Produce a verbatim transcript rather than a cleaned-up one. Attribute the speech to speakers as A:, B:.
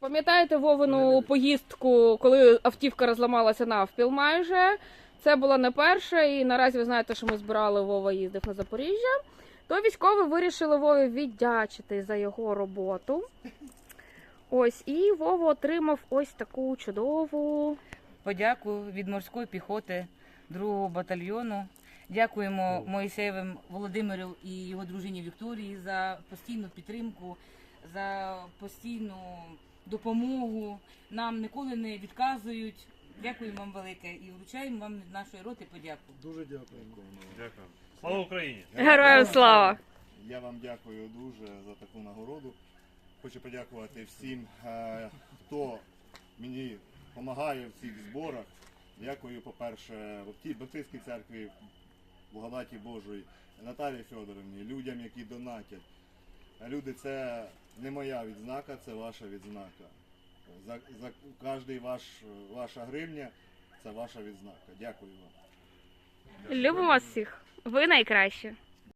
A: Пам'ятаєте Вовину поїздку, коли автівка розламалася навпіл майже? Це була не перша, і наразі ви знаєте, що ми збирали, Вова їздив на Запоріжжя. То військові вирішили Вові віддячити за його роботу. Ось, і Вова отримав ось таку чудову
B: подяку від морської піхоти другого батальйону. Дякуємо Моїсеєвим Володимиру і його дружині Вікторії за постійну підтримку, за постійну допомогу. Нам ніколи не відказують. Дякуємо вам велике і вручаємо вам від нашої роти подяку.
C: Дуже дякуємо.
D: Дякую. Слава Україні!
A: Героям слава!
C: Я вам дякую дуже за таку нагороду. Хочу подякувати всім, е, хто мені допомагає в цих зборах. Дякую, по-перше, в тій Баптистській церкві, благодаті Божої, Наталії Федоровні, людям, які донатять. Люди, це не моя відзнака, це ваша відзнака. За, за кожний ваш, ваша гривня – це ваша відзнака. Дякую вам.
A: Любимо вас всіх! Ви найкращі!